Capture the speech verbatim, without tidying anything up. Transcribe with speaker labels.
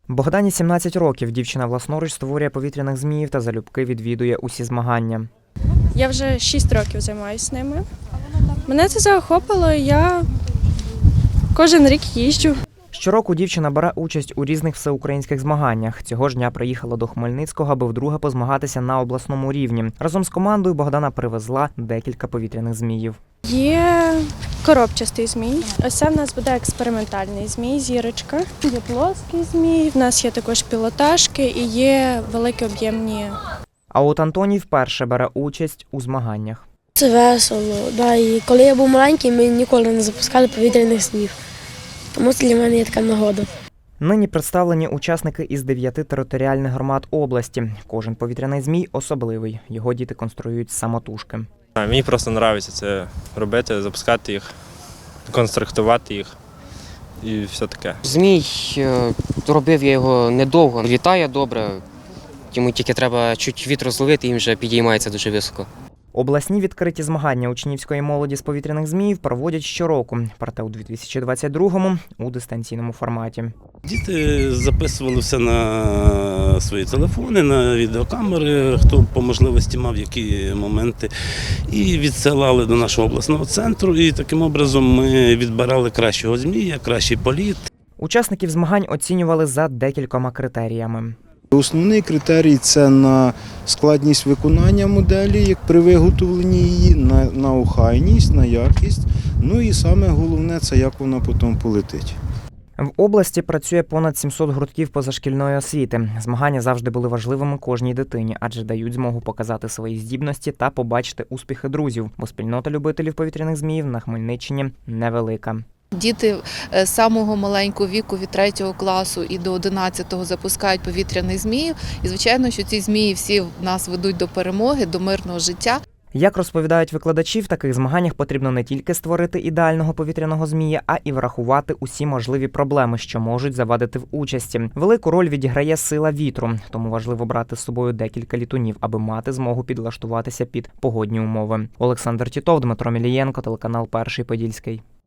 Speaker 1: Богдані сімнадцять років. Дівчина власноруч створює повітряних зміїв та залюбки відвідує усі змагання.
Speaker 2: Я вже шість років займаюся ними. Мене це захопило, і я кожен рік їжджу.
Speaker 1: Щороку дівчина бере участь у різних всеукраїнських змаганнях. Цього ж дня приїхала до Хмельницького, аби вдруге позмагатися на обласному рівні. Разом з командою Богдана привезла декілька повітряних зміїв.
Speaker 2: Є коробчастий змій. Ось це в нас буде експериментальний змій, зірочка. Є плоский змій, в нас є також пілотажки і є великі об'ємні.
Speaker 1: А от Антоній вперше бере участь у змаганнях.
Speaker 3: Це весело. Да, і коли я був маленький, ми ніколи не запускали повітряних зміїв. Тому це для мене є така нагода.
Speaker 1: Нині представлені учасники із дев'яти територіальних громад області. Кожен повітряний змій особливий. Його діти конструюють самотужки.
Speaker 4: Мені просто подобається це робити, запускати їх, конструктувати їх і все таке.
Speaker 5: Змій, робив я його недовго, літає добре, йому тільки треба чуть вітру зловити і він вже підіймається дуже високо.
Speaker 1: Обласні відкриті змагання учнівської молоді з повітряних зміїв проводять щороку, проте у дві тисячі двадцять другому у дистанційному форматі.
Speaker 6: Діти записували все на свої телефони, на відеокамери, хто по можливості мав які моменти, і відсилали до нашого обласного центру. І таким образом ми відбирали кращого змія, кращий політ.
Speaker 1: Учасників змагань оцінювали за декількома критеріями.
Speaker 7: Основний критерій – це на складність виконання моделі, як при виготовленні її, на, на охайність, на якість. Ну і саме головне – це як вона потім полетить.
Speaker 1: В області працює понад сімсот гуртків позашкільної освіти. Змагання завжди були важливими кожній дитині, адже дають змогу показати свої здібності та побачити успіхи друзів, бо спільнота любителів повітряних зміїв на Хмельниччині невелика.
Speaker 8: Діти з самого маленького віку, від третього класу і до одинадцятого, запускають повітряних зміїв. І, звичайно, що ці змії всі нас ведуть до перемоги, до мирного життя.
Speaker 1: Як розповідають викладачі, в таких змаганнях потрібно не тільки створити ідеального повітряного змія, а і врахувати усі можливі проблеми, що можуть завадити в участі. Велику роль відіграє сила вітру, тому важливо брати з собою декілька літунів, аби мати змогу підлаштуватися під погодні умови. Олександр Тітов, Дмитро Мілієнко, телеканал Перший Подільський.